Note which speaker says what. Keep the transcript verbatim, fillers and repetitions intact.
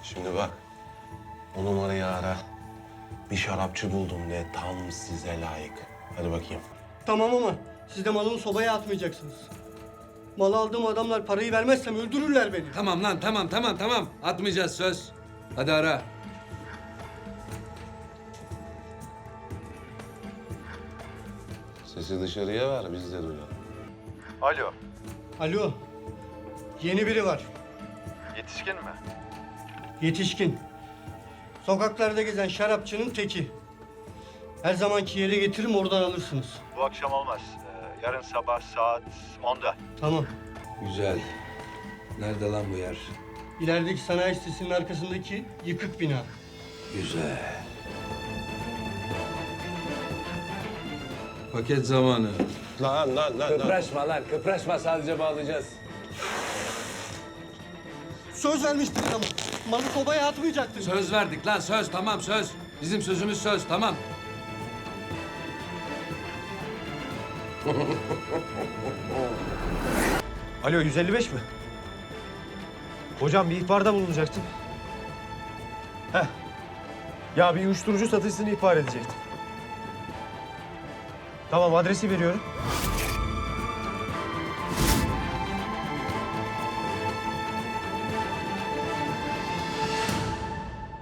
Speaker 1: Şimdi bak, o numarayı ara. Bir şarapçı buldum de tam size layık. Hadi bakayım.
Speaker 2: Tamam ama siz de malımı sobaya atmayacaksınız. Malı aldığım adamlar parayı vermezsem öldürürler beni.
Speaker 3: Tamam lan tamam tamam tamam. Atmayacağız söz. Hadi ara.
Speaker 1: Sesi dışarıya ver, biz de duyalım.
Speaker 4: Alo,
Speaker 2: Alo. Yeni biri var.
Speaker 4: yetişkin mi?
Speaker 2: Yetişkin. Sokaklarda gezen şarapçının teki. Her zamanki yere getiririm, oradan alırsınız.
Speaker 4: Bu akşam olmaz. Ee, yarın sabah saat onda.
Speaker 2: Tamam.
Speaker 3: Güzel. Nerede lan bu yer?
Speaker 2: İlerideki sanayi sitesinin arkasındaki yıkık bina.
Speaker 3: Güzel. Paket zamanı.
Speaker 1: Lan lan lan lan.
Speaker 5: Kıpraşma lan, kıpraşma. Sadece bağlayacağız.
Speaker 2: Söz vermiştiniz ama. Malı sobaya atmayacaktınız.
Speaker 3: Söz verdik lan söz tamam söz. Bizim sözümüz söz tamam.
Speaker 6: Alo, yüz elli beş mi? Hocam bir ihbarda bulunacaktım. Heh. Ya bir uyuşturucu satışını ihbar edecektim. Tamam, adresi veriyorum.